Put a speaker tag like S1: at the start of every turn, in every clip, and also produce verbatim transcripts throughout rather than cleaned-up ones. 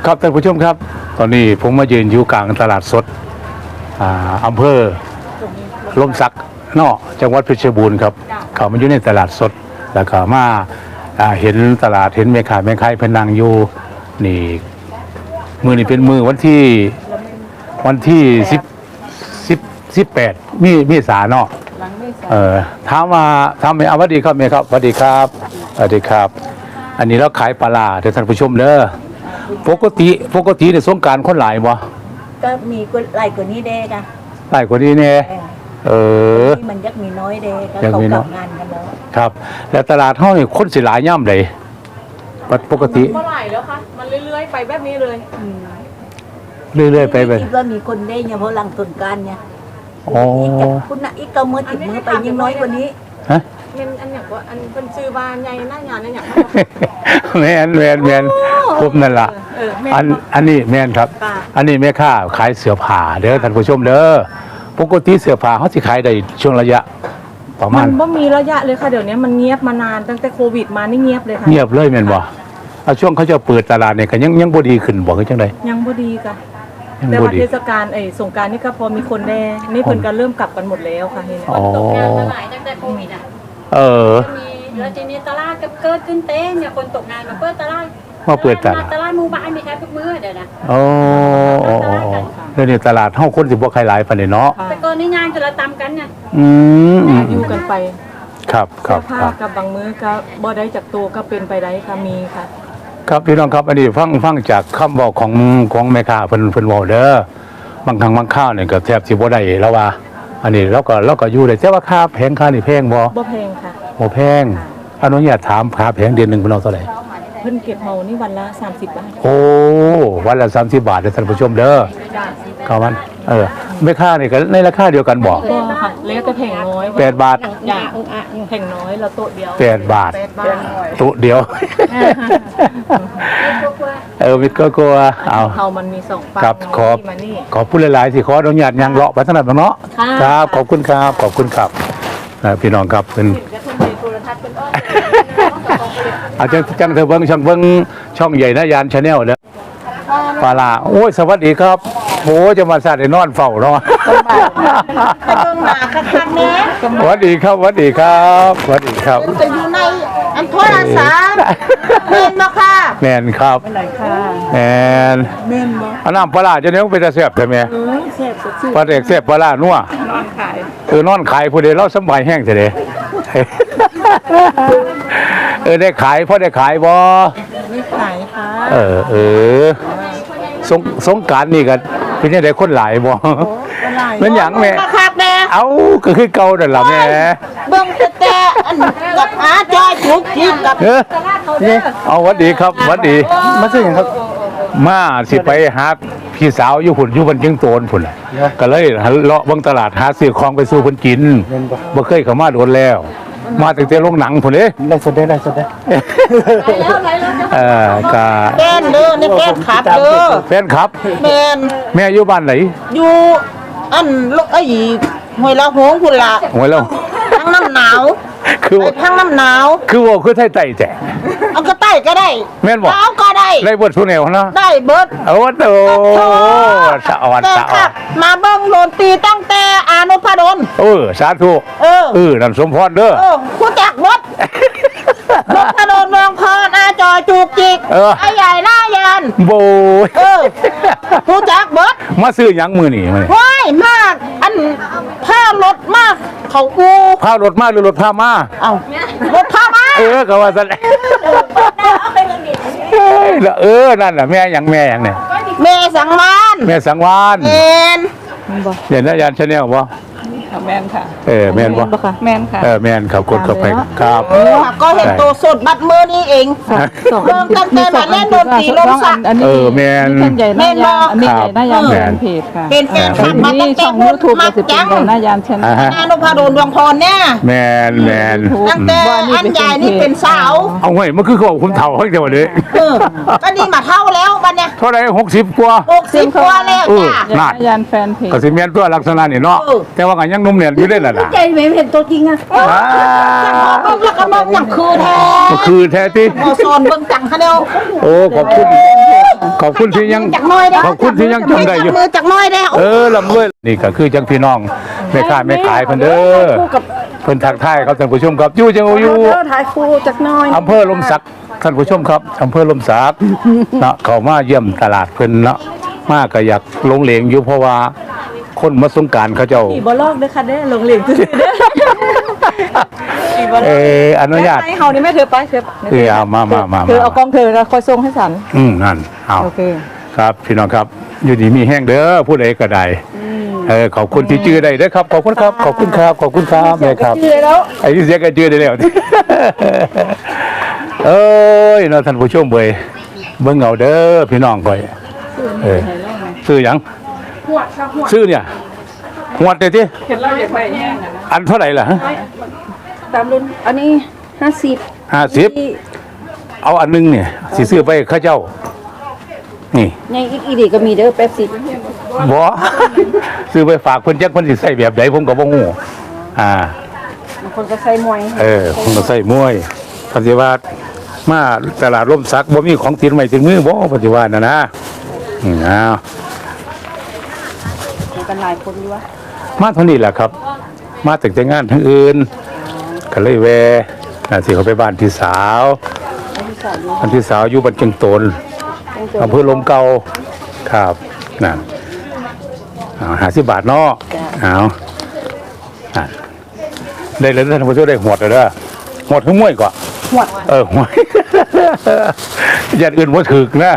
S1: ครับท่านผู้ชมครับตอนนี้ผมมายืนอยู่กลางตลาดสดอ่าอำเภอลมสักนอกจังหวัดเพชรบูรณ์ครับเขามาอยู่ในตลาดสดแล้วก็มาอ่าเห็นตลาดเห็นแม่ค้าแม่ขายเพนนังอยู่นี่มือนี่เป็นมือวันที่วันที่สิบสิบสิบแปดมีมีสาเนาะเออถามว่าทำไมเอาสวัสดีครับแม่ครับสวัสดีครับสวัสดีครับ อันนี้เราขายปลาร้าเดี๋ยวท่านผู้ชมเด้อปกติปกติในสงกรานต์คนหลายบ่
S2: ก็มีก็หลายกว่านี้เด้กะ
S1: หลายกว่านี้แน่เออ
S2: ที่มันยักมีน้อยเด้ก็
S1: ยัง
S2: เขา
S1: มี
S2: ก
S1: น้
S2: ลั
S1: อย
S2: บงานกันแล้ว
S1: ครับ แล้วตลาดเฮานี่คนสิหลายย่ำใดปกติ
S3: เท่าไหร่แล้วคะมันเรื่อยๆไปแบบนี้เลย
S2: อืม
S1: เรื่อยๆไปไป
S2: คิดว่ามีคนได้เนี่ยเพราะหลังสงกรานต์เนี่ย
S1: อ๋อ
S2: อีกจากคุณน่ะอีกก็มือติดมือไปยังน้อยกว่านี้
S1: ฮะ
S3: มันอันอย่างว่าอันเป็นซื้อบานใหญ่หน้างานอันอย่าง
S1: แม่นแม่นแม่นครบนั่นล่ะ
S3: เออแม่
S1: อันอันนี้แม่นครับ
S3: ค่ะ
S1: อันนี้แม่ค้าขายเสื้อผ้าเด้อท่านผู้ชมเด้อปกติเสื้อผ้าเฮาสิขายได้ช่วงระยะ ประมา
S3: มั
S1: ณ
S3: นบ่มีระยะเลยค่ะเดี๋ยวนี้มันเงียบมานานตั้งแต่โควิดมานี่เงียบเลยค่ะ
S1: เงียบเลยแม่นบ่เอาช่วงเขาจะเปิดตลาดเนี่ยก็ยังยังบ่ดีขึ้นบ่คือจังได๋
S3: ยังบ่ดีค่ะ
S1: ยัง
S3: แต่
S1: บ่
S3: ว่า
S1: ดี
S3: เทศกาลไอ้สงกรานต์นี่ก็พอมีคนแน่นี่เพิ่นก็เริ่มกลับกันหมดแล้วค่ะเห็นไหม
S1: อ๋อ
S4: ตกงานมาหลายตั้งแต่โควิดอ่ะ
S1: เออ
S4: มีแล้วทีนี้ตลาดก็เกิดขึ้นเต้นเนี่ยคนตกงานมาเปิดตลาด
S1: มาเปิดตลาด
S4: ตลาดหมู่บ้านมีแค่ทุกมื้อเดี๋ยวนะ
S1: โอ้โอ้โอ้โอ้เดี๋ยวนี้ตลาดเฮาคนสิบ่ใครหลายปานนี้เนาะ
S3: ค่ะ
S4: แต่ก่อนนี่งานจะละตำกันน่ะ
S1: อืมอืม
S3: อยู่กันไป
S1: ครับค
S3: เสื้
S1: รั
S3: อบ ผ้า
S1: ครับ
S3: กับบางมื้อก็บ่ได้จากตัวก็เป็นไปได้ค่ะมีค่ะ
S1: ครับพี่น้องครับอันนี้ฟังฟังจากคำบอกของของแม่ค้าเพิ่นเพิ่นเว้าเด้อบางครั้งบางข้าวเนี่ยก็แทบสิบ่ได้แล้วว่า อันนี้เราก็เราก็อยู่ได้แต่ว่าค่าแพงค่านี่แพงบ่
S3: บ่แพงค่ะ
S1: บ่แพงอนุญาตถามค่าแพงเดือนหนึงเพิ่นเอาเท่าไหร่
S3: เพิ่นเก็บเฮานี่วันละสามสิบบาท
S1: โอ้วันละสามสิบบาทเด้อท่านผู้ชมเด้อเข้ามันเออแม่ค้านี่ก็ในราคาเดียวกันบ่
S3: ก็ค่ะแล้วแต่แผงน้อย
S1: แปดบาท
S3: อย่างแผงน้อยเราโต๊ะเดียว
S1: แปดบาท
S3: แปดบาท
S1: ตุเดียว เออมิตรก็กลัวเอา
S3: เฮามันมีสองฝั่ง
S1: ครับขอบ
S3: ที่มานี่
S1: ขอบพูดหลายๆสิขออนุญาตยังเลาะไปถนัดเนาะ
S3: ค่ะ
S1: ครับขอบคุณครับขอบคุณครับนะพี่น้องครับเป็น
S4: จะทุ่มในโทรทัศน์เป็นอ้อ
S1: อาจารย์จังเธอเบิ้งช่องเบิ้งช่องใหญ่นะยานชาแนลเด้อปลาลาโอ้ยสวัสดีครับโอ้จะมาสาดไอ้นอนเฝ้าเนาะ
S2: ไปเบิ่งหน้าคักๆแน่
S1: สวัสดีครับสวัสดีครับสวัสดีครับ
S2: จะอยู่ในอันโทรศัพท์เห็นบ่ค่ะ
S1: แมนครับ
S2: ไหนค่ะ
S1: แมน
S2: เม่นบ่
S1: อันน้ำปลาลาจะเนี้ยเป็นตาแซ่บใช่ไหม
S2: เออแซ่บสดชื่น
S1: ปลาเด็กแซ่บปลาลานัวน
S2: อนขาย
S1: เออนอนขายผู้เดียวเราสำบายแห้งเสียเด้ เออได้ขายพ่อได้ขายบ่
S2: ไม่ขายค่ะ
S1: เออเออสงสงกรานต์นี่ก็เป็นยังไงคนหลายบ่เป็นหยังแม่
S2: คักๆแน่
S1: เอ้าก็คือเก่านั่นล่ะแม่
S2: เบิ่งแต่แต่อันกับหาจอยจุกจิกกับ
S1: เออเอาหวัดดีครับหวัดดีมาซื้อหยังครับ มาสิไปหาพี่สาวอยู่พุ่นอยู่บนเชียงโตนพุ่นน่ะก็เลยเลาะเบิ่งตลาดหาซื้อของไปสู่เพิ่นกินบ่เคยเข้ามาโดนแล้ว มาตั้งแต่โรงหนังพุ่นเด้
S5: ได้สดได้ได้สดได้
S1: เออก็
S2: แป้นเด้อนี่แป้นขับเด้อ
S1: แฟนครับ
S2: แม่น
S1: แม่อยู่บ้านไหน
S2: อยู่อันลูกไอ้ห้วยละโหงพุ่นล่ะ
S1: โอ้ยแล้ว
S2: ทั้งน้ำหนาว
S1: คือ
S2: ไปทั้งน้ำหนาว
S1: คือว่าคือไทยไต่แจ้
S2: เอาก็ใต้ก็ได้
S1: แม่นบ่
S2: เอาก็ได้
S1: ได้บทสุแนวนะ
S2: ได้เบิด
S1: เอาวะโตสะอ่อน
S2: แต่
S1: สะอ่
S2: ค
S1: อ
S2: รั
S1: น
S2: บมาเบิ่งโลนตีตั้งแต่อานุพดล
S1: เออสาธุ
S2: เออ
S1: เออนั่นสมพรเด้อ
S2: เออผู้จักรถนพดลเมืองพรอาจอยจูกจิก
S1: เออ
S2: ไอ้ใหญ่หน้ายาน
S1: โบย
S2: เออผู้จักเบิด
S1: มาซื้อหยังมือนี่มานี่
S2: ว้ายมากอันผ้ารถมากเขากู
S1: พารถมาหรือรถพามา
S2: เอารถผ้ามา
S1: เออก็ว่าซั่นเอ้ยแล้วเออนั่นน่ะแม่หยังแม่หยังเนี่ย
S2: เมสังมาน
S1: แม่สังวาน
S2: เอ็น
S1: เห็นนะยานชาแนลบ่
S3: แม่นค่ะ
S1: เออแม่นบ่
S3: แม่นค่ะ
S1: เออแม่นครับกดเข้าไปครับ
S2: ก็เห็นตัวสดบัดมือนี่เองเริ่มตั้งแต่มาเล่นดนตรีลมสัก
S1: เออแม่น
S6: ท่านใหญ่หน้ายานอันนี้
S1: ครับ
S6: ใหญ่หน้ายาน
S1: แม่
S6: แฟ
S1: น
S6: นเพจค่ะ
S2: เป็นแฟนคลับ
S6: อั
S2: มาน ตั้
S6: นี้
S2: งแต่
S6: ช่อง
S2: พู
S6: ยู
S2: ด
S6: ทูบ
S2: มั
S6: ก็
S2: ก
S6: จะเป็น
S2: จัง
S6: ใหญ่หน้ายานเช่น
S1: อ่าฮะ
S2: นานุพาโดนดวงพรเนี่ย
S1: แม่นแม่น
S2: ตั้งแต่อันใหญ่นี่เป็นสาว
S1: เอาเว้ยมันคือเขาคุณเฒ่าเฮ้ยเดี๋ยวนี้
S2: เออก็นี่มาเท่าแล้วบัดเนี่ย
S1: เท่าไหร่หกสิบกว่า
S2: หกสิบกว่าแล้ว
S1: เออ
S2: จ้ะ
S6: ใหญ่หน้ายานแฟนเพจ
S1: ก็สิแม่นตัวลักษณะนี่เนาะ
S2: เออ
S1: แต่ว่าก็ยังหนุ่มเนี่ยอยู่ได้ล่ะนะ
S2: ใจไม่เห็นตัวจริงอ่ะ
S1: อ่า
S2: เบิ่งแล้วก็เบิ่งอย่างคือแท้
S1: ก็คือแท้ที่
S2: พอสอนเบิ่งจังคะเดียว
S1: โอ้ขอบคุณขอบคุณที่ยัง
S2: จักหน้อยได้
S1: ขอบคุณที่ยังจำได้อยู่
S2: มือจักหน้อยได้
S1: เออลำด้วยนี่ก็คือจังพี่น้องแม่ค้าแม่ขายเพิ่นเด้อเพิ่นทักทายครับท่านผู้ชมครับอยู่จังอยู่
S2: ถ่ายคู่จักหน้อย
S1: อำเภอลมสักท่านผู้ชมครับอำเภอลมสักเนาะเขามาเยี่ยมตลาดเพิ่นเนาะมาก็อยากลงเหลงอยู่เพราะว่าคนมาสงกรารเขาเจ้า
S3: ขี่บอลอกเด้อค่ะเด้อลงเหลงซื่อๆเด้อขี่บอล
S1: เอออนุญาต
S3: ให้เฮานี่แม่เธอไปเธอ
S1: เออเอามามามา
S3: เธอเอากองเธอแล้วคอยส่งให้ฉัน
S1: อืมนั่นเอา
S3: โอเค
S1: ครับพี่น้องครับอยู่ดีมีแห้งเด้อผู้ใดก็ได้เออขอบคุณที่จื้อได้เด้อครับขอบคุณครับขอบคุณครับขอบคุณครับแม่ครับ
S3: ชื่อแล้ว
S1: ไอ้ที่เสียก็จื้อได้แล้ว เอ้ยเนาะท่านผู้ชมเว้ยเบิ่งเอาเด้อพี่น้องก่อยเออซื้อหยังซื้อเนี่ยหวดได้ติ
S3: เห็นเราอยากไปแห้งนะ
S1: อันเท่าไหร่ล่ะฮะ
S2: ตามรุ่นอันนี้ห้าสิบ
S1: ห้าสิบเอาอันหนึงเนี่ยสิซื้อไปข้าเจ้า นี่
S2: ยังอีกอีดีก็มีเด้อแป๊บสิ
S1: บ่ ซื้อไปฝากเพิ่นจักเพิ่นสิใส่แบบใดผมก็บ่ฮู้อ่า
S2: บางคนก็ใส่มวย
S1: เออผมก็ใส่มวยปฏิวัติมาตลาดร่มสักบ่มีของติดใหม่ติดมือบ่ปฏิวัตินะนะอืมอ้าว
S2: กันหลายคนอยู่วะ
S1: มาเท่านี้แหละครับ มาแต่แต่งานทั้งอื่นก็เลยแวะน่ะสิเขาไปบ้านพี่สาวบ้านพี่สาวอยู่บ้านเชียงโตนอำเภอลมเก่าครับนั่นเอาห้าสิบบาทเนาะเอาอ่ะได้เลยท่านผู้ชมได้หวดเลยเด้อหวดทั้งมวยก่อน
S2: หวด
S1: เออหวย อย่างอื่นว่าถึกนะ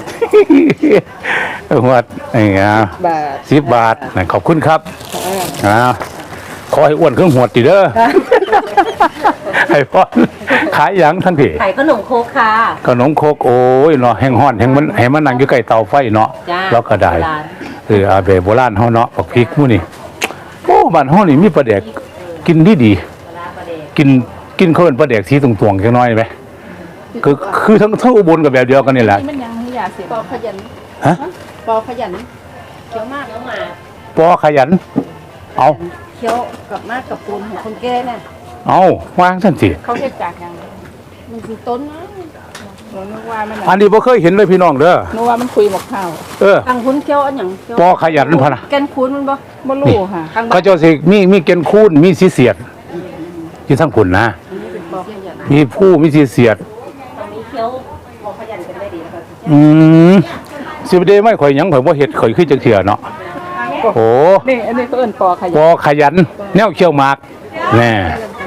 S1: หวดนี่อ่ะ
S2: บาท
S1: สิบบาทนะขอบคุณครับอ่าขอให้อ้วนเครื่องหวดดีเด้อ ให้พ่อขายหยังท่านพี่
S4: ไข่ขนมโคกค่ะ
S1: ขนมโคกโอ้ยเนาะแห้งห้อนแห้งมันให้มันนั่งอยู่ใกล้เตาไฟเนาะ
S4: จ้า
S1: แล้วก็ได้
S4: โบราณ
S1: เอออาเบโบราณเฮาเนาะปักพริกหมู่นี่โอ้บ้านเฮานี่มีปลาแดกกินดีดีๆกินกินเขาเป็นปลาแดกสีตรงๆจังน้อยไหมคือคือทั้งทั้งอุบลกับแบบเดียวกันนี่แหละ
S6: มันยังไม่อยากเสีย
S2: ปอขยัน
S1: ฮะ
S2: ปอขยันเคี้ยวมากแล้วมา
S1: ปอขยัน เอา
S2: เคี้ยวกับมากกับปูนของคนแก่น่ะ
S1: เอาวางซั่นสิ
S6: เขาเฮ็ดจากยัง
S2: มันคือต้นนะ
S6: หนูนึกว่ามัน
S1: อันนี้บ่เคยเห็นเลยพี่น้องเด้อ
S6: นึกว่ามันคุยหมกข้าว
S1: เออ
S2: ทางคุณเคี้ยวอันหยังเคี้ยว
S1: ปอขยันพะนะ
S2: แกนคูนมันบ่
S6: บ่รู้ค่ะ
S2: ทางบ้า
S1: เขา
S2: น
S1: เจ้าสิมีมีเกณฑ์คูนมีสีเสียดอยู่ทั้งคุณนะ
S2: ปอขยัน
S1: มีผู้มีสีเสียด
S4: ตอนนี้เคี้ยวโมขยันกันได้ดีแล้วค่ะ
S1: อืมสิบเดไม่ข่อยหยังข่อยบ่เฮ็ดข่อยคือจังเถื่อเนาะโอ้
S6: นี่อันนี้เขาเอิ้นปอข
S1: ป
S6: ยัน
S1: อขยัน แนวเขี้ยวหมากแน่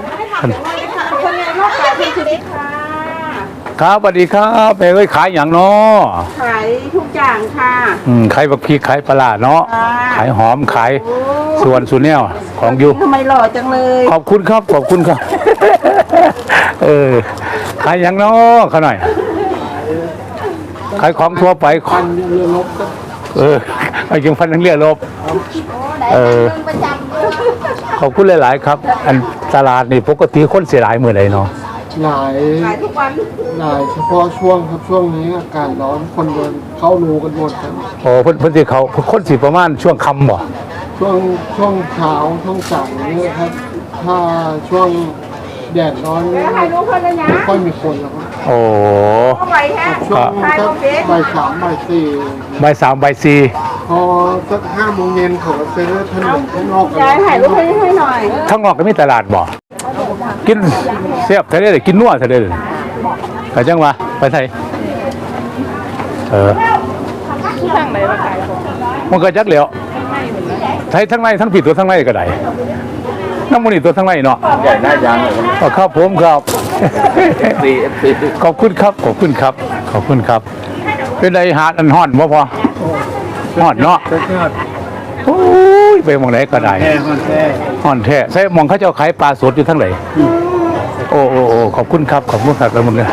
S1: ครับสวัสดีครับแม่เอ้ยขายหยังเนาะ
S2: ขายทุกอย่างค่ะ
S1: อืมขายบักพริกขายปลาร้าเนาะขายหอมขายส่วนสุนแนวของอยู่
S2: ทำไมหล่อจังเลย
S1: ขอบคุณครับขอบคุณครับ เออขายหยังเนาะเขาหน่อยขายของทั่วไปพันเรือลบเออไอ้ยังพันทั้งเรือลบเออขอบคุณหลาย ๆ ครับ อันตลาดนี่ปกติคนเสียหลายมื้อใดเนาะ
S5: หลาย
S2: ขายทุกวัน
S5: หลายเฉพาะช่วงครับช่วงนี้อากาศร้อนคนเดินเข้ารูกันหมดครับ
S1: โอ้เพิ่นเพิ่นสิเขาคนสิประมาณช่วงค่ำบ่
S5: ช่วงช่วงเช้าช่วงสายเนี่ยครับ ถ้าช่วงแดดร้อนเนี่ยไม่ค่อยมีคนแล้วครับ
S1: โอ้
S2: ไหวแฮะ
S5: ช่วงสักบ่ายสามบ่ายสี่
S1: บ่ายสามบ่ายสี่
S5: พอสักห้าโมงเย็นเขาก็ซื้อถนนข้างนอกกัน
S2: ยายถ่ายรูปให้ให้หน่อย
S1: ข้างนอกก็มีตลาดบ่กินเสียบทะเลเลยกินนัวทะเลเลยก็จังว่าไปไทยเออ
S6: ที่ทางไหนมาขายของ
S1: มันก็จักเหลียวไทยทั้งในทั้งผิดตัวทั้งในก็ได้น้ำมันนี่ตัวทั้งในเนาะใหญ่หน้ายางเลยครับผมครับขอบคุณครับขอบคุณครับขอบคุณครับ เป็นไรหาดอันห่อนบ่พอห่อนเนาะโอ้ยไปหมองไหนก็ได้ห่อนแท้ใช่หมองเขาเจ้าขายปลาสดอยู่ทั้งไหนโอ้โอ้โอ้ขอบคุณครับขอบคุณครับแล้วมึงเนี่ย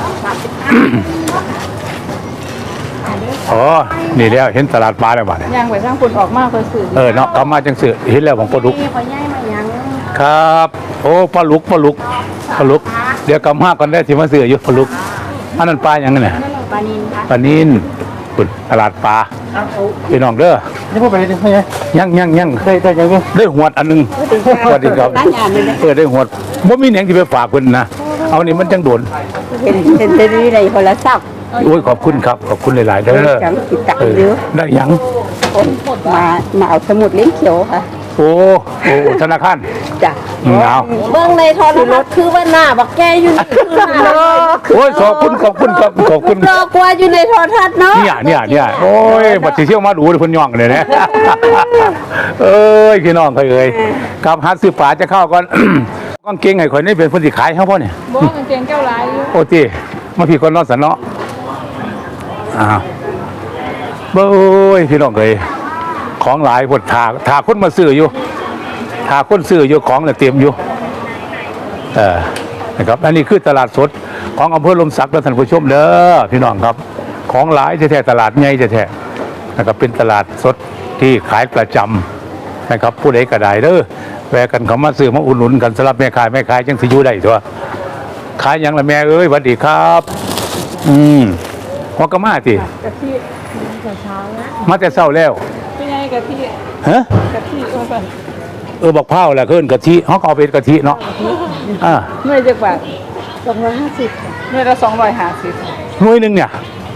S1: อ๋อนี่แล้วเห็นตลาดปลาแล้วบ้าด
S6: ย่างไปทางคนออกมาเพื่อซื้อ
S1: เออเนาะกลับมาจังสื่อเห็นแล้วของปลาดุก
S2: นี่ขอย่ายมายัง
S1: ครับ โอ้ปลาลุกปลาลุกปลาลุก เดี๋ยวกำห้ากันได้ที่มาซื้ออยู่ปลาลุกอันนั้นปลาอย่างนั้นเนี่ย
S2: ปลานินค่ะ
S1: ปลานินปุ่นตลาดปลาพี่น้องเด้อ
S5: นี่พวกไปได้ไหม
S1: ยังยังยัง
S5: ได้ได้ยังไง
S1: ได้หวดอันหนึงสวัสดีครับ
S2: ร้านยานเลยนะ
S1: เออได้หวดบ่มีแหนงที่ไปฝากเพิ่นนะเอานี่มันจังโดน
S2: เห็นเห็นเทวีในโทรศัพท์
S1: โอ้ยขอบคุณครับขอบคุณหลายๆเด้อ
S7: จังกิจจัก
S1: เออ
S7: เยอะ
S1: ได้หยัง
S7: มามาเอาสมุดเล่มเขียวค่ะ
S1: โอ้โอ้ธนาคาร
S7: จ้ะ
S1: อืมเอา
S2: เบิ่งในโทรทัศน์คือว่าหน้าบักแกอยู่นี่คือหน้า
S1: โอ้ยขอบคุณขอบคุณครับขอบคุณ
S2: รอกว่าอยู่ในโทรทัศน์เนาะ
S1: เนี่ยเนี่ยเนี่ยโอ้ยบัดสิเที่ยวมาดูเลยเพิ่นย่องเลยนะ เอ้ยพี่น้องเคยเอ่ยครับหาซื้อฝาจะเข้าก่อน กางเกงให้ข่อยนี่เป็นเพิ่นสิขายเฮาบ่เนี่ย
S6: บ่กางเกงเจ้าหลายอยู่
S1: โอ้ติมาพี่คนเนอนสันเนาะอ้าวเบ้ยพี่น้องเอ้ยของหลายพดถาถาคนมาซื้ออยู่ถาคนซื้ออยู่ของน่ะเต็มอยู่เออนะครับอันนี้คือตลาดสดของอำเภอลมศักดิ์ท่านผู้ชมเด้อพี่น้องครับ ของหลายแท้ๆตลาดใหญ่แท้ๆนะครับเป็นตลาดสดที่ขายประจำนะครับผู้ใดก็ได้เด้อแวะกันเขามาซื้อมาอุดหนุนกันสำหรับแม่ขายแม่ขายจังสิอยู่ได้ตัวขายหยังล่ะแม่เอ้ยสวัสดีครับ อืมฮอกกะมาติ
S6: กะทิเช้า
S1: มาแต่เช้าแล้ว
S6: เป็นไงกะทิ
S1: ฮะ
S6: กะทิเออป่ะ
S1: เออบักเผาแหละเพิ่นกะทิเฮาก็เอาเป็นกะทิเนาะอ่า
S6: หน่วยจักบาทสองร้อยห้าสิบหน่วยละสองร้อยห้าสิบ
S1: หน่วยหนึงเนี่ย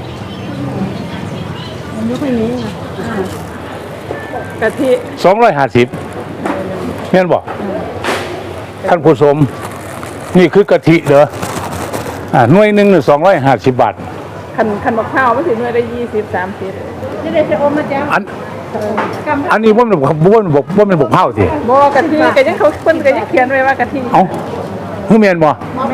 S6: กะทิ
S1: สองร้อยห้าสิบแม่นบ่ท่านผู้ชมนี่คือกะทิเด้ออ่าหน่วยหนึงน่ะสองร้อยห้าสิบบาท
S6: คันคันมะพร้าวมันสิหน่วยละยี่สิบสามสิบนี่ได้จะอมมาจ้ะ
S1: อันอันนี้บ่แม่นบ่บ่แม่นบ่บ่แม่นบักเผาติ
S6: บ่กะทิก็ยังเขาเพิ่นก็ยังเขียนไว้ว่ากะทิ
S1: เอ้าฮือแม่นบ่
S6: แม่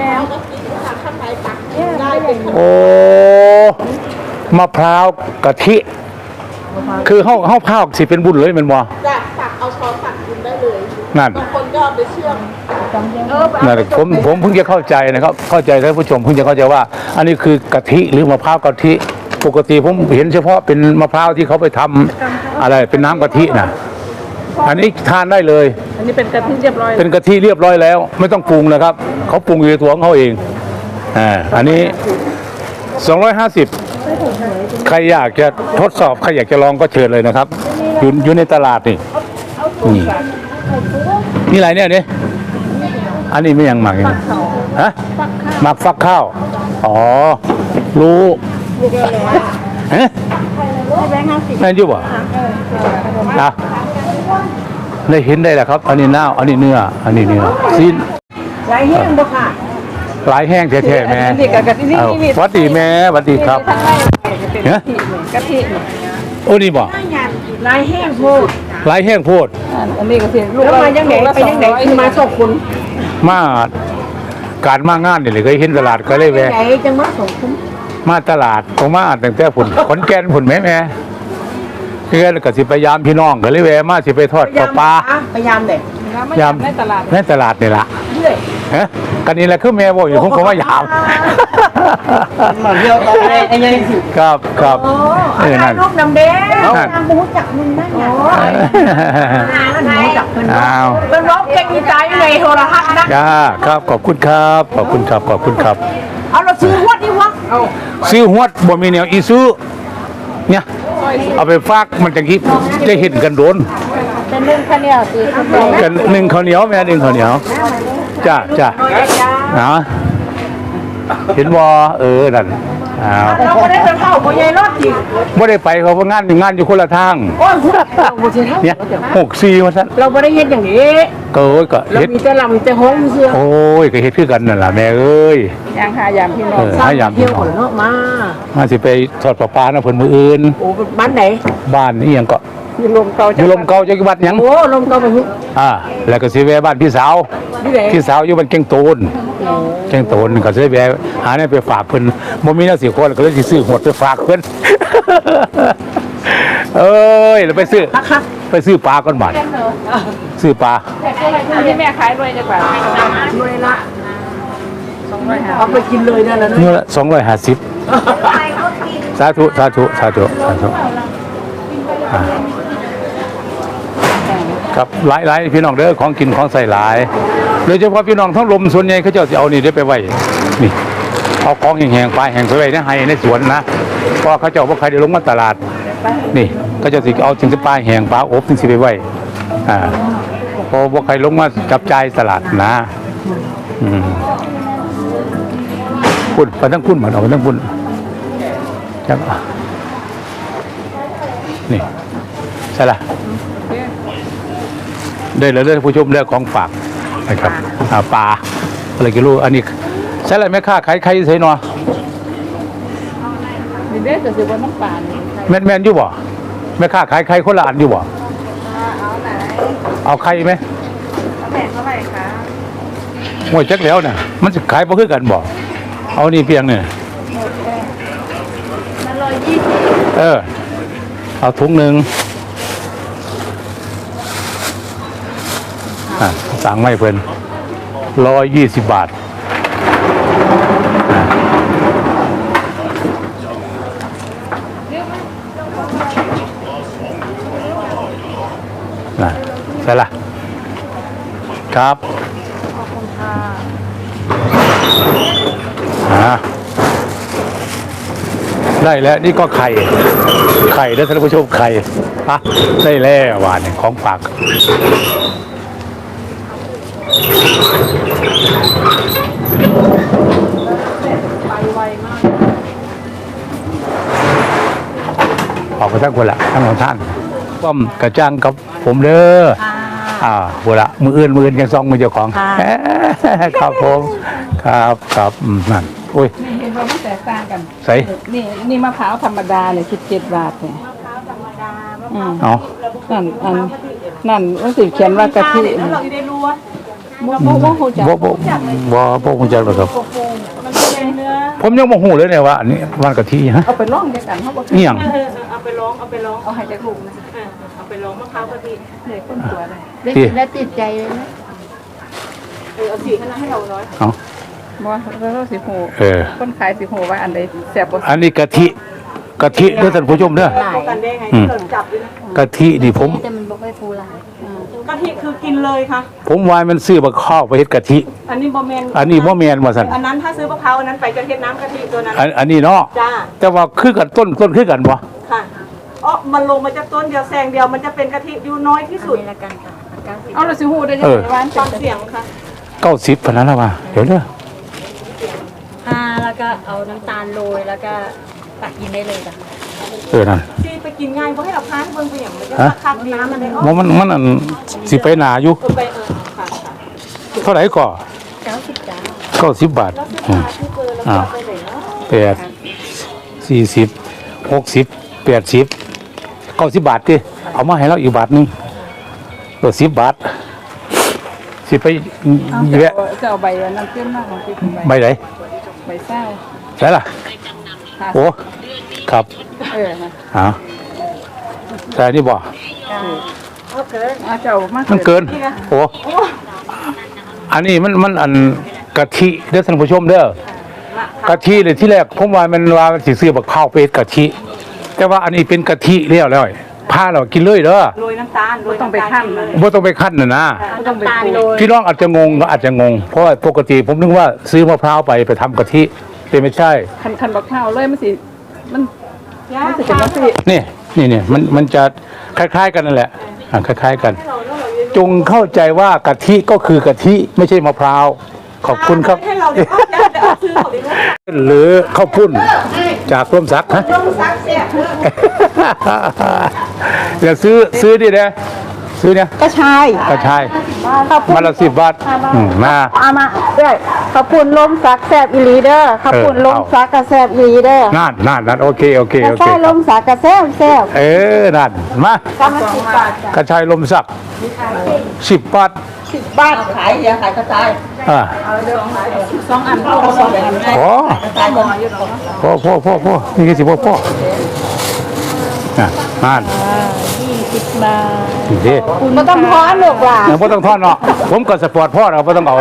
S1: โอ้มะพร้าวกะทิ คือเฮาเฮาพาวสิเป็นบุญเลยแม่นบ่
S2: จะตักเอาช้อนตักกินได้เลย
S1: นั่น
S2: บางคนก็เอาไปเชื่อม
S1: นั่นผมผมเพิ่งจะเข้าใจนะครับ เข้าใจท่านผู้ชมเพิ่งจะเข้าใจว่า อันนี้คือกะทิหรือมะพร้าวกะทิ ปกติผมเห็นเฉพาะเป็นมะพร้าวที่เขาไปทำอะไรเป็นน้ำกะทิน่ะ อันนี้ทานได้เลย
S6: อันนี้เป็นกะทิเรียบร้อย
S1: เป็นกะทิเรียบร้อยแล้ว ไม่ต้องปรุงนะครับ เขาปรุงอยู่ในตัวของเขาเองอ่าอันนี้สองร้อยห้าสิบใครอยากจะทดสอบใครอยากจะลองก็เชิญเลยนะครับ อยู่อยู่ในตลาดนี่นี่นี่อะไรเนี่ยเนี่ยอันนี้ไม่ยังหมักยังฮะหมักฟักข้าวอ๋อรู้ฮะนั่นอยู่บ่นะได้เห็นได้แหละครับ อันนี้เน่าอันนี้เนื้ออันนี้เนื้อสิ้น
S2: ไรแห้งบ่ค่ะ
S1: หลายแห้งแท้ๆแม่
S6: นี่กะทินี่
S1: เอา
S6: นี่
S1: หวัดดีแม่หวัดดีครับ
S6: ทั้งในเป็นกะทิกะทิ
S1: โอ้นี่บ่
S2: ไรแห้งโพด
S1: หลายแห้งโพด
S6: อันนี้กะทิลูก
S2: แล้วมายังไหนไปยังไหนคือมาส่งคุณ
S1: มาการมางานนี่เลยเคยเห็นตลาดก็เลยแวะ
S2: ไหนจังมาส่งคุณ
S1: มาตลาดผมมาตั้งแต่ผุนขอนแก่นผุนแม่แม่เพื่อนก็สิพยายามพี่น้องก็เลยแวะมาสิไปทอดปลาปลา
S2: พยายามเด็ก
S6: ยามในตลาด
S1: ในตลาดนี่ล่ะ
S2: เรื่อย
S1: ฮะกันนี่แหละคือแม่บอกอยู่ผมก็ว่ายาม
S2: มาเที่ยวตอนนี้ไอ้ยังสิ
S1: ครับครับ
S2: โอ้
S1: เออนั่น
S2: ลูกดำเด้
S1: นั่น
S2: นางบูจักมึงได้ไงนางจักมึง
S1: อ้าว
S2: เป็นร้องเพลงมีใจในโทรทัศน์นะ
S1: จ้าครับขอบคุณครับขอบคุณครับขอบคุณครับ
S2: เอาเราซื้อวัดนี่วะ
S1: ซื้อหวดบ่มีแนวอีซูเนี่ยเอาไปฝากมันจังคิดจะเห็นกันโดน
S7: เป็นเรื่องข้าวเหนียวสิ
S1: กันหนึ่งข้าวเหนียวแม่หนึ่งข้าวเหนียวจ้าจ้านะเห็นบ่เออนั่นอ้าว
S2: เราไม่ได้ไปเข้าพ่อใหญ่รอดจริง
S1: บ่ได้ไปเขาเพราะงานงานอยู่คนละทาง
S2: โอ้ยคุณเราไม่ใช่เท่า
S1: เนี่ยหกสี่ว่าซั่น
S2: เราไม่ได้เฮ็ดอย่างนี้
S1: ก็โอ้ยก็
S2: เรา
S1: เฮ็ด
S2: มีแต่ลำแต่ห้องเสื้อ
S1: โอ้ยก็เฮ็ดคือกันนั่นล่ะแม่เอ้ย
S6: ยางหายามพี่น้อ
S1: เอง อหายาม
S2: เที่
S1: พี่
S2: ยว
S1: น้อง
S2: ขนเนาะมา
S1: มาสิไปทอดปลาปลานะเพิ่นมื้ออื่น
S2: โอ้บ้านไหน
S1: บ้านนี่หยังก็
S6: อยู่ลมเก่า
S1: อยู่ลมเก่าจักวัดหยัง
S2: โอ้ลมเก่าไปหุ้
S1: อ่าแล้วก็สิแวะบ้านพี่สาว
S2: ที่ไหน
S1: พี่สาวอยู่บ้านเก่งโตนเก่งโตนก็สิแวะหาแนวไปฝากเพิ่นบ่มีแนวสิคนก็เลยสิซื้อหวดไปฝากเพิ่น เอ้ยแล้วไปซื้อ
S2: นะคะ
S1: ไปซื้อปลาก่อนบาดซื้อปลา
S6: ที่แม่ขายด้วยจักบาท
S2: ด้วยละ
S6: สองร้อยห้า
S2: เอาไปกินเลยนั่นแหละ
S1: เนื้อละสองร้อยห้าสิบสาธุสาธุสาธุสาธุอ่าครับหลายหลายพี่น้องเด้อของกินของใส่หลายโดยเฉพาะพี่น้องทั้งลมส่วนใหญ่เขาเจ้าสิเอานี่ได้ไปไว้นี่เอาของแห้งๆปลาแห้งไปไว้ในไห้ในสวนนะเพราะเขาเจ้าบ่ใครได้ลงมาตลาดนี่เขาเจ้าสิเอาถึงสิปลาแห้งปลาอบถึงสิไปไว้อ่าเพราะบ่ใครลงมาจับจ่ายตลาดนะอืมคุณไปทั้งคุณเหมือนเอาไปทั้งคุณจังนี่ใช่ละได้เลยเลยผู้ชมเรื่องของฝากนะครับอ่าปลาอะไรกิโลอันนี้ใช่ละแม่ค้าขายใครใส่หนอ
S6: นี่เด้อก็สิบ่น้ำปลานี่
S1: แม่นแม่นอยู่บ่แม่ค้าขายใครคนละอันอยู่บ่
S6: เอาไหน
S1: เอาใครไหม
S6: เอาแพงเท่าไหร่คะ
S1: ห่วยจักแล้วเนี่ยมันจะขายบ่คือกันบ่เอานี่เพียงเนี่ย
S6: มันร้อยยี่สิบ
S1: เออเอาถุงหนึ่งอ่ะสั่งไม่เพิ่นร้อยยี่สิบบาทอ่ะน่ะใช่ละครับอ่าได้แล้วนี่ก็ไข่ไข่นะท่านผู้ชมไข่อ่ะได้แล้วหวานเนี่ยของฝากออกไปทั้งคนละทั้งของท่านป้อมกระจังกับผมเด้ออ่าบุละมืออื่นมืออื่นยังซองมือเจ้าของครับผมครับครับอืมนั่นโอ้ย
S6: นี่เห็นว่ามันแตกต่างกัน
S1: ใส่
S6: นี่นี่มะพร้าวธรรมดาเนี่ยสิบเจ็ดบาทเนี่ยอืม
S1: เอา
S6: นั่นอันนั่นมันสิเขียนว่ากะทิ
S3: แล้วเราอยู่ในรั้ว
S6: บ่บ่บ่ฮู้จัก
S1: บ่บ่บ่บ่คงจะหรอกครับ
S3: มันเป็นเนื้อ
S1: ผมยังบ่ฮู้เลยเนี่ยว่าอันนี้วันกะทิฮะ
S6: เอาไปลองด้วยกันเฮาบ่
S1: นี่หยัง
S3: เออเออเอาไปร้องเอาไปร้อง
S6: เอาให้จักลูกนะ
S3: เออเอาไปร้องมะพร้าวกะทิ
S6: เลยคนตัวเลย
S1: ที่
S6: แล้วติดใจเลยนะ
S3: เออเอาสีให้เราให้เราน้อย
S1: เอา
S6: บ่เราสิฮู้
S1: เออ
S6: คนขายสิฮู้ว่าอันใดแซ่บบ่
S1: อันนี้กะทิกะทิเด้อท่านผู้ชมเด้อ
S3: ป้องกันได้ไงที่เราจับด้วยนะ
S1: กะทินี่ผม
S7: แต่มันบ่ค่อยฟูหลาย
S3: กะทิคือกินเลยค่ะ
S1: ผมวายมันซื้อบักข้าวไปเฮ็ดกะทิ
S3: อันนี้บะแมน
S1: อันนี้บ่แม่นว่าซั่น
S3: อันนั้นถ้าซื้อมะพร้าวอันนั้นไปจะเทศน้ำกะทิตัวนั้น
S1: อันอันนี้เนาะ
S3: จ้า
S1: แต่ว่าคือกันต้นต้นคือกันบ่
S3: ค่ะอ๋อมันลงมาจากต้นเดียวแซงเดียวมันจะเป็นกะทิอยู่น้อยที่สุด
S7: ละกันค่ะเก้าสิบ
S6: เอาเราสิฮู้ได้ยังไงว่าอัน
S3: ฟั
S6: เป็น
S3: งเสียงค่ะ
S1: เก้าสิบพนนั้นแล้วว่าเดี๋ยวเด้อ
S7: อ่าแล้วก็เอาน้ำตาลโรยแล้วก็ตักกินได้เลยจ้ะ
S1: เออนั่น
S3: ที่ไปกินง่ายเพราะให้เราพาให้เบิ่งไปอย่างมันจะ
S1: ฮะ
S3: คักน้ำมันเลยอ๋อ
S1: บ่มันมันอันสิไปหนาอยู่
S3: เออไปเออค่ะค่ะ
S1: เท่าไหร่ก่อ
S7: เก้าสิบจ้า
S1: เก้าสิบบาท
S3: แล้วเสื้อ
S1: อืม
S3: ผ้าที่เจอแล้วก็ไปไหนเนาะ
S1: แปดสี่สิบหกสิบแปดสิบเก้าสิบบาทดิเอามาให้เราอีกบาทหนึงเออสิบบาทสิไปแวะ
S6: จะเอาใบอันนั้นเต็มมากของพี่ใบ
S1: ใบไหน
S6: ใบเศร้า
S1: ใช่ล่ะโอ้ครับ
S6: เออนะ
S1: ฮะใช่นี่บ่
S6: เอาเจ้ามา
S1: มันเกินโอ้อันนี้มันมันอันกะทิเด้อท่านผู้ชมเด้อกะทิเลยที่แรกผมว่ามันว่ามันสิซื้อบักข้าวไปเฮ็ดกะทิแต่ว่าอันนี้เป็นกะทิแล้วแล้วพาเรากินเลยเด้อ
S3: โรยน้ำตาลโรย
S6: ต้องไป
S3: น้ำตาล
S6: ขั้น
S3: เล
S6: เลย
S3: ย
S1: บ่ต้องไปคั้นน่ะนะ
S6: ต้องไป
S7: น้ำตาล
S6: ป
S7: โร
S6: ลูก
S7: ย
S1: พี่น้องอาจจะงงก็อาจจะงง เพราะว่าปกติผมนึกว่าซื้อมะพร้าวไปไปทำกะทิแต่ไม่ใช่
S6: คันคันบักข้าวเลยมันสิมัน
S3: ย่า
S6: มันสิเป็น
S3: พา
S6: จังซี่
S1: นี่นี่นี่มันมันจะคล้าย ๆ กันนั่นแหละอ่ะคล้าย ๆ กัน
S3: ให้เราแล้วเราเรียนรู้
S1: จงเข้าใจว่ากะทิก็คือกะทิไม่ใช่มะพร้าวขอบคุณครับ
S3: ให้เราเรียนรู้ได้แต่เอาซื้อเขาไปรู้
S1: หรือข้าวปุ้นจากร่วมสักฮะ
S3: ต้องซักเสีย
S1: อย่าซื้อซื้อดิเด้ซื้อเนี่ย
S2: ก็ใช่
S1: กระชายมาละสิบบาทอืมมา
S2: เอามาด้วยขอบคุณลมซักแซบอีหลีเด้อขอบคุณ
S1: เออ
S2: ลมซักกระแซบอีหลีเด้อ
S1: นั่นนั่นนั่นโอเคโอเค
S2: กระ
S1: โอเค
S2: ใช่ลมซักกระแซบแซบ
S1: เออนั่นมา
S2: กำลังสิบบาทจ้ะ
S1: กระชายลมสักสิบบาท
S2: สิบบาทขายเดียวขายกระจาย
S1: อ่า
S6: สองอันเอาสองอัน
S1: พอพอพอพอพอนี่คือสิพ่อพ่ออ่ะนั่น
S6: ยี่สิบบาท
S1: นี่ดิ
S2: ไม่ต้องพอนหรอกว่า
S1: ยังไม่ต้องทอดเนาะผมก็สปอร์ตพ่อเราไม่ต้องเอา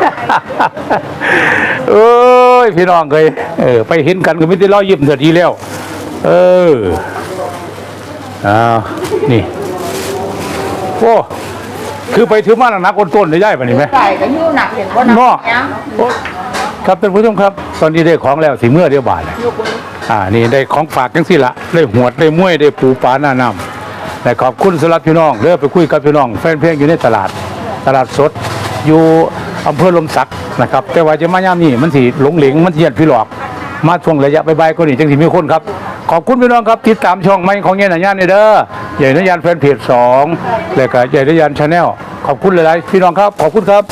S1: เอ้ยพี่น้องเคยเออไปเห็นกันก็ไม่ได้ล้อยิ้มเถิดทีแล้ว เอออ้าวนี่โอ้คือไปถือมาหนักๆต้นๆได้ย่ายปะนี่ไหม
S2: ใส่ก็ยู่หนักเห็นว่าหนัก
S1: เนาะ
S2: ยัง
S1: โอ้ครับท่านผู้ชมครับ ตอนนี้ได้ของแล้วสิเมื่อเดียวบ่ายแล้วอ่านี่ได้ของฝากจังสิละได้หวดได้ม้วยได้ปูปลาหน้าน้ำแต่ขอบคุณสำหรับพี่น้องเด้อไปคุยกับพี่น้องแฟนเพลงอยู่ในตลาด ตลาดสด อยู่อำเภอลมสักนะครับ แต่ว่าจะมาย่ามนี่มันสิหลงเหลงมันสิเหียดพี่หลอก มาช่วงระยะบ่ายๆก็นี่จังสิมีคนครับขอบคุณพี่น้องครับติดตามช่องใหม่ของเย็นหยานนี่เด้อใหญ่นยานแฟนเพจสองแล้วก็ใหญ่นยานชาแนลขอบคุณหลายๆพี่น้องครับขอบคุณครับ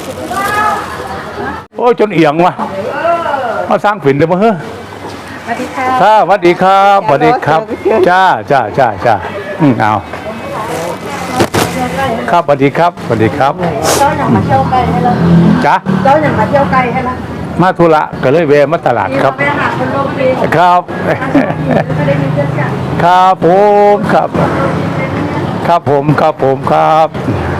S1: โอ้ยจนเอียงว่ะมาสร้างฝิ่นเดี๋ยวมาเฮ้อสวัสดีครับสวัสดีครับสวัสดีครับจ้าจ้าจ้าจ้าอืมเอาครับสวัสดีครับสวัสดีครับ
S2: เจ้าอย่างมาเที่ยวไกลให้เรา
S1: จ้า
S2: เจ้าอย่างมาเที่ยวไกลให้เรา
S1: มาธุระก็เลยแวะมาตลาดครับ
S2: ไปหาคนโลภี
S1: ครับ
S2: ไม่ได้มีเพื่อนกัน
S1: ครับผมครับ ครับผมครับผมครับ